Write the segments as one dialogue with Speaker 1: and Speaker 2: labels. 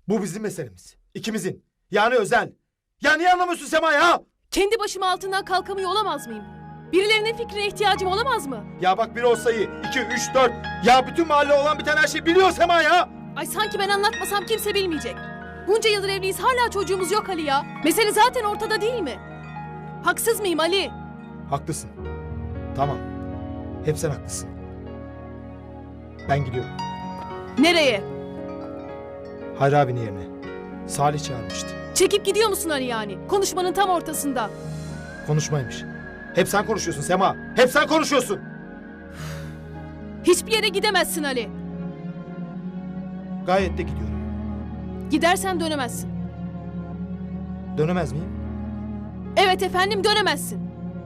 Speaker 1: Bu bizim meselemiz. İkimizin. Yani özel. Ya niye anlamıyorsun Sema ya?
Speaker 2: Kendi başıma altından kalkamıyor olamaz mıyım? Birilerinin fikrine ihtiyacım olamaz mı?
Speaker 1: Ya bak bir olsayı. 2, 3, 4. Ya bütün mahalle olan biten her şeyi biliyor Sema ya.
Speaker 2: Ay sanki ben anlatmasam kimse bilmeyecek. Bunca yıldır evliyiz, hala çocuğumuz yok Ali ya. Mesele zaten ortada değil mi? Haksız mıyım Ali?
Speaker 1: Haklısın. Tamam. Hep sen haklısın. Ben gidiyorum.
Speaker 2: Nereye?
Speaker 1: Hayri abinin yerine. Salih çağırmıştı.
Speaker 2: Çekip gidiyor musun Ali yani? Konuşmanın tam ortasında.
Speaker 1: Konuşmaymış. Hep sen konuşuyorsun Sema. Hep sen konuşuyorsun.
Speaker 2: Hiçbir yere gidemezsin Ali.
Speaker 1: Gayet de gidiyorum.
Speaker 2: Gidersen dönemezsin.
Speaker 1: Dönemez miyim?
Speaker 2: Evet efendim, dönemezsin.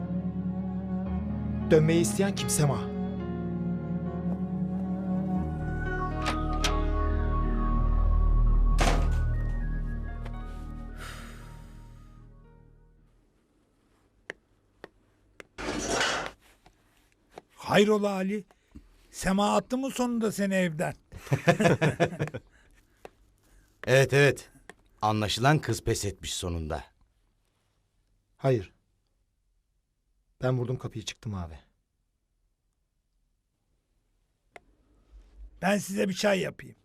Speaker 1: Dönmeyi isteyen kim Sema?
Speaker 3: Hayrola Ali? Sema attı mı sonunda seni evden?
Speaker 4: Evet. Anlaşılan kız pes etmiş sonunda.
Speaker 1: Hayır. Ben vurdum kapıyı çıktım abi.
Speaker 3: Ben size bir çay yapayım.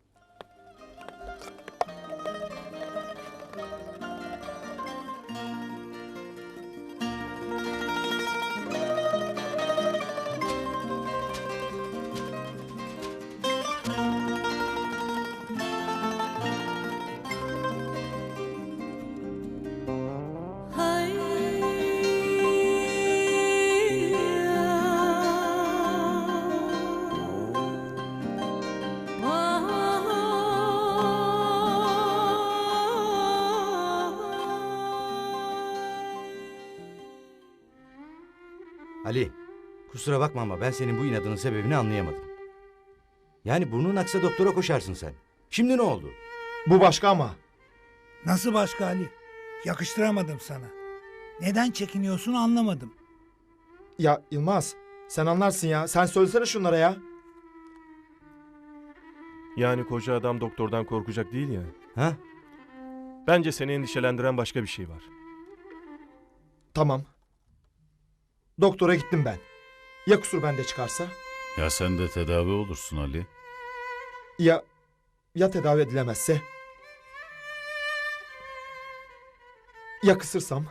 Speaker 4: Ali, kusura bakma ama ben senin bu inadının sebebini anlayamadım. Yani burnun aksa doktora koşarsın sen. Şimdi ne oldu?
Speaker 1: Bu başka ama.
Speaker 3: Nasıl başka Ali? Yakıştıramadım sana. Neden çekiniyorsun anlamadım.
Speaker 1: Ya Yılmaz, sen anlarsın ya. Sen söylesene şunlara ya.
Speaker 5: Yani koca adam doktordan korkacak değil ya.
Speaker 4: Ha?
Speaker 5: Bence seni endişelendiren başka bir şey var.
Speaker 1: Tamam. Doktora gittim ben. Ya kusur bende çıkarsa?
Speaker 6: Ya sen de tedavi olursun Ali.
Speaker 1: Ya tedavi edilemezse? Ya kısırsam?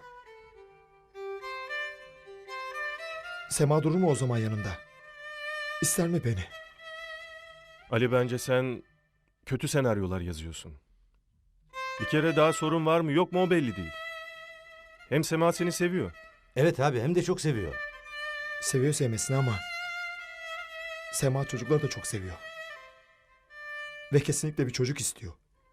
Speaker 1: Sema durur mu o zaman yanımda? İster mi beni?
Speaker 5: Ali, bence sen kötü senaryolar yazıyorsun. Bir kere daha sorun var mı yok mu o belli değil. Hem Sema seni seviyor.
Speaker 4: Evet abi, hem de çok seviyor.
Speaker 1: Seviyor sevmesini ama Sema çocukları da çok seviyor. Ve kesinlikle bir çocuk istiyor.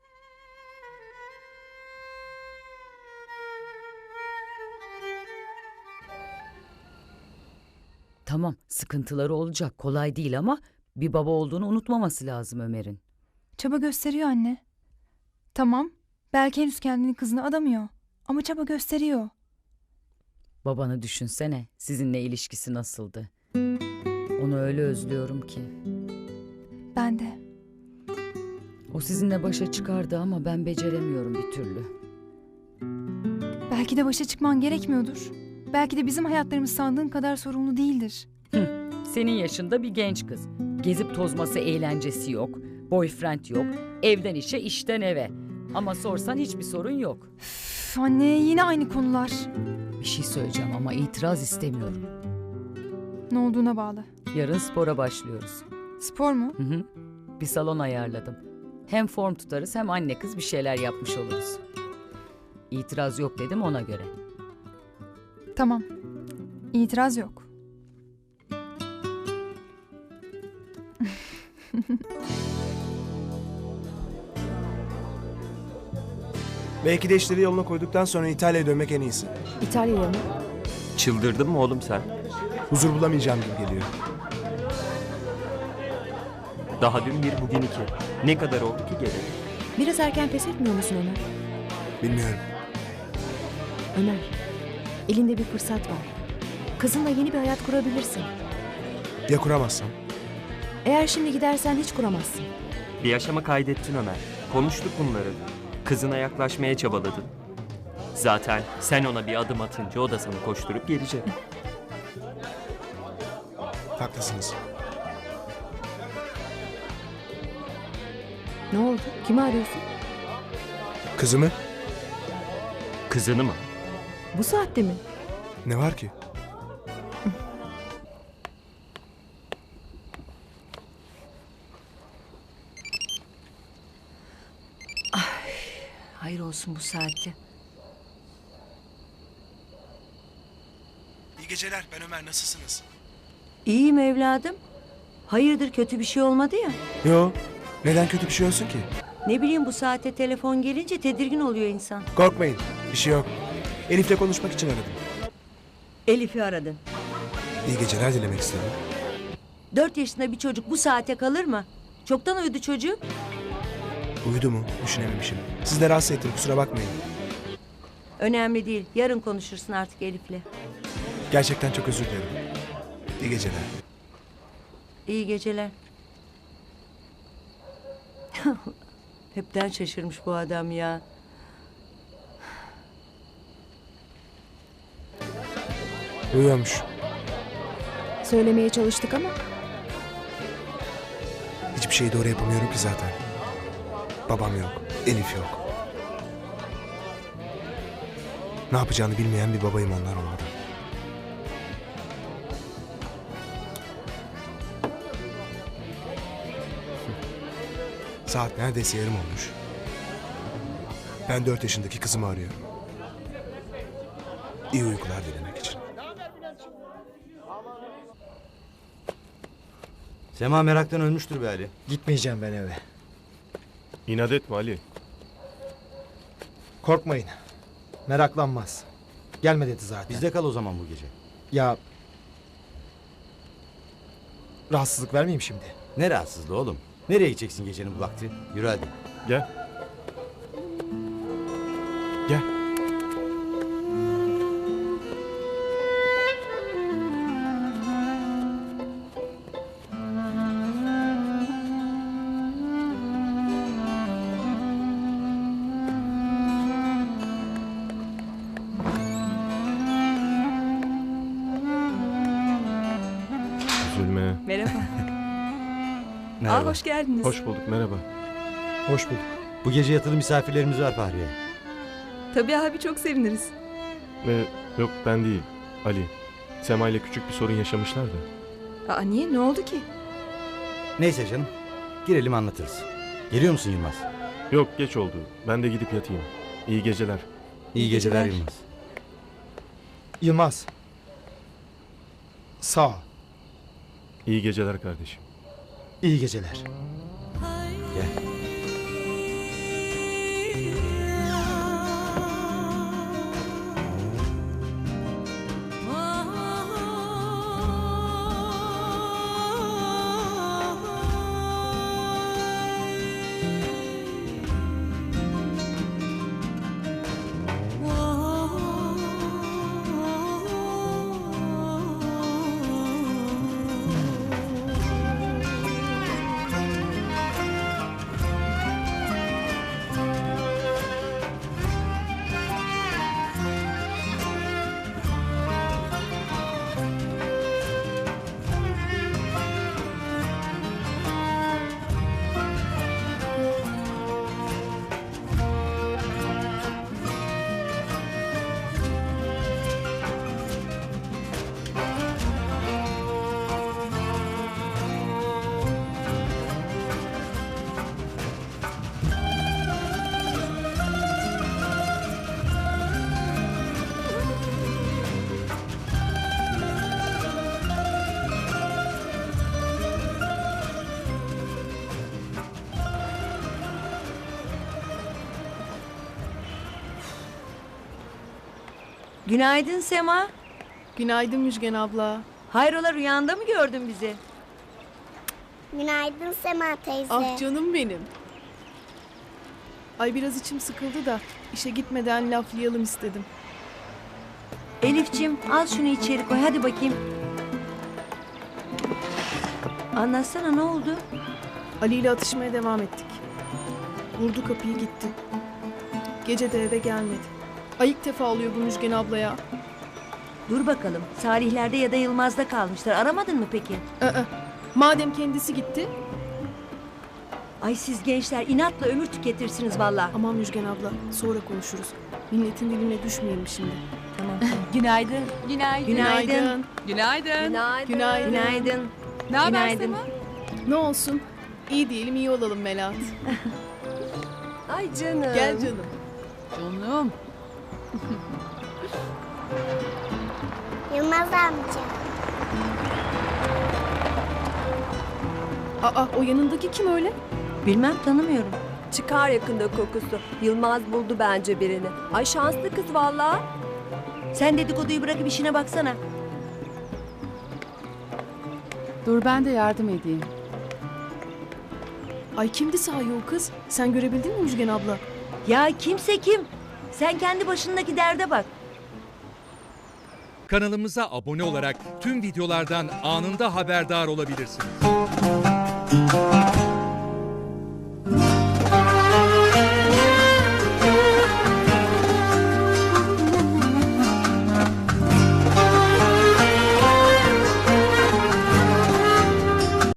Speaker 7: Tamam, sıkıntıları olacak, kolay değil ama bir baba olduğunu unutmaması lazım Ömer'in.
Speaker 8: Çaba gösteriyor anne. Tamam, belki henüz kendini kızına adamıyor. Ama çaba gösteriyor.
Speaker 7: Babanı düşünsene, sizinle ilişkisi nasıldı? Onu öyle özlüyorum ki.
Speaker 8: Ben de.
Speaker 7: O sizinle başa çıkardı ama ben beceremiyorum bir türlü.
Speaker 8: Belki de başa çıkman gerekmiyordur. Belki de bizim hayatlarımız sandığın kadar sorumlu değildir.
Speaker 7: Senin yaşında bir genç kız. Gezip tozması, eğlencesi yok. Boyfriend yok. Evden işe, işten eve. Ama sorsan hiçbir sorun yok.
Speaker 8: Üf, anne yine aynı konular.
Speaker 7: Bir şey söyleyeceğim ama itiraz istemiyorum.
Speaker 8: Ne olduğuna bağlı.
Speaker 7: Yarın spora başlıyoruz.
Speaker 8: Spor mu?
Speaker 7: Hı. Bir salon ayarladım. Hem form tutarız hem anne kız bir şeyler yapmış oluruz. İtiraz yok dedim ona göre.
Speaker 8: Tamam. İtiraz yok.
Speaker 9: Belki de işleri yoluna koyduktan sonra İtalya'ya dönmek en iyisi.
Speaker 10: İtalya'ya mı?
Speaker 9: Çıldırdın mı oğlum sen? Huzur bulamayacağım gibi geliyor.
Speaker 11: Daha dün bir bugün iki. Ne kadar oldu ki geleli?
Speaker 10: Biraz erken pes etmiyor musun Ömer?
Speaker 9: Bilmiyorum.
Speaker 10: Ömer, elinde bir fırsat var. Kızınla yeni bir hayat kurabilirsin.
Speaker 9: Ya kuramazsam?
Speaker 10: Eğer şimdi gidersen hiç kuramazsın.
Speaker 11: Bir yaşama kaydettin Ömer. Konuştuk bunları. Kızına yaklaşmaya çabaladın. Zaten sen ona bir adım atınca o da sana koşturup gelecek.
Speaker 9: Haklısınız.
Speaker 10: Ne oldu? Kimi arıyorsun?
Speaker 9: Kızımı?
Speaker 11: Kızını mı?
Speaker 10: Bu saatte mi?
Speaker 9: Ne var ki?
Speaker 12: Hayır olsun bu saatte.
Speaker 9: İyi geceler. Ben Ömer. Nasılsınız?
Speaker 12: İyiyim evladım. Hayırdır, kötü bir şey olmadı ya.
Speaker 9: Yo. Neden kötü bir şey olsun ki?
Speaker 12: Ne bileyim, bu saatte telefon gelince tedirgin oluyor insan.
Speaker 9: Korkmayın. Bir şey yok. Elif'le konuşmak için aradım.
Speaker 12: Elif'i aradın.
Speaker 9: İyi geceler dilemek istedim.
Speaker 12: 4 yaşında bir çocuk bu saate kalır mı? Çoktan uyudu çocuk.
Speaker 9: Uyudu mu? Düşünememişim. Siz de rahatsız ettim. Kusura bakmayın.
Speaker 12: Önemli değil. Yarın konuşursun artık Elif'le.
Speaker 9: Gerçekten çok özür dilerim. İyi geceler.
Speaker 12: İyi geceler. Hepten şaşırmış bu adam ya.
Speaker 9: Uyuyormuş.
Speaker 10: Söylemeye çalıştık ama
Speaker 9: Hiçbir şeyi doğru yapamıyorum ki zaten. Babam yok. Elif yok. Ne yapacağını bilmeyen bir babayım onlar olmadan. Saat neredeyse yarım olmuş. Ben 4 yaşındaki kızımı arıyorum. İyi uykular dilemek için.
Speaker 4: Sema meraktan ölmüştür be Ali.
Speaker 1: Gitmeyeceğim ben eve.
Speaker 5: İnat etme Ali.
Speaker 1: Korkmayın. Meraklanmaz. Gelme dedi zaten.
Speaker 4: Bizde kal o zaman bu gece.
Speaker 1: Ya... Rahatsızlık vermeyeyim şimdi.
Speaker 4: Ne rahatsızlığı oğlum? Nereye gideceksin gecenin bu vakti? Yürü hadi.
Speaker 5: Gel. Gel. Üzülme.
Speaker 12: Merhaba.
Speaker 4: Merhaba.
Speaker 12: Hoş geldiniz.
Speaker 5: Hoş bulduk, merhaba.
Speaker 1: Hoş bulduk.
Speaker 4: Bu gece yatılı misafirlerimiz var Fahriye.
Speaker 12: Tabii abi, çok seviniriz.
Speaker 5: Yok ben değil, Ali. Sema ile küçük bir sorun yaşamışlar da.
Speaker 12: Aa, niye? Ne oldu ki?
Speaker 4: Neyse canım. Girelim anlatırız. Geliyor musun Yılmaz?
Speaker 5: Yok geç oldu. Ben de gidip yatayım. İyi geceler.
Speaker 4: İyi geceler Yılmaz.
Speaker 1: Yılmaz. Sağ ol.
Speaker 5: İyi geceler kardeşim.
Speaker 1: İyi geceler.
Speaker 4: Gel.
Speaker 12: Günaydın Sema.
Speaker 2: Günaydın Müjgan abla.
Speaker 12: Hayrola, rüyanda mı gördün bizi?
Speaker 13: Günaydın Sema teyze.
Speaker 2: Ah canım benim. Ay biraz içim sıkıldı da işe gitmeden laflayalım istedim.
Speaker 12: Elif'ciğim, al şunu içeri koy, hadi bakayım. Anlatsana, ne oldu?
Speaker 2: Ali ile atışmaya devam ettik. Vurdu kapıyı gitti. Gece de eve gelmedi. Ay ilk defa oluyor bu Müjgan ablaya.
Speaker 12: Dur bakalım. Salihler'de ya da Yılmaz'da kalmışlar. Aramadın mı peki?
Speaker 2: Madem kendisi gitti.
Speaker 12: Ay siz gençler inatla ömür tüketirsiniz valla.
Speaker 2: Aman Müjgan abla sonra konuşuruz. Milletin diline düşmeyelim şimdi.
Speaker 12: Tamam.
Speaker 10: Günaydın. Günaydın.
Speaker 12: Günaydın.
Speaker 10: Günaydın.
Speaker 2: Günaydın.
Speaker 12: Günaydın.
Speaker 10: Ne haber
Speaker 12: Günaydın.
Speaker 10: Sema?
Speaker 2: Ne olsun? İyi diyelim iyi olalım Melahat.
Speaker 10: Ay canım.
Speaker 2: Gel canım.
Speaker 10: Canım.
Speaker 13: Yılmaz amca.
Speaker 2: Aa o yanındaki kim öyle?
Speaker 12: Bilmem tanımıyorum.
Speaker 10: Çıkar yakında kokusu. Yılmaz buldu bence birini. Ay şanslı kız vallahi.
Speaker 12: Sen dedikoduyu bırakıp işine baksana.
Speaker 10: Dur ben de yardım edeyim.
Speaker 2: Ay kimdi sahi o kız? Sen görebildin mi Müjgan abla?
Speaker 12: Ya kimse kim? Sen kendi başındaki derde bak.
Speaker 14: Kanalımıza abone olarak tüm videolardan anında haberdar olabilirsiniz.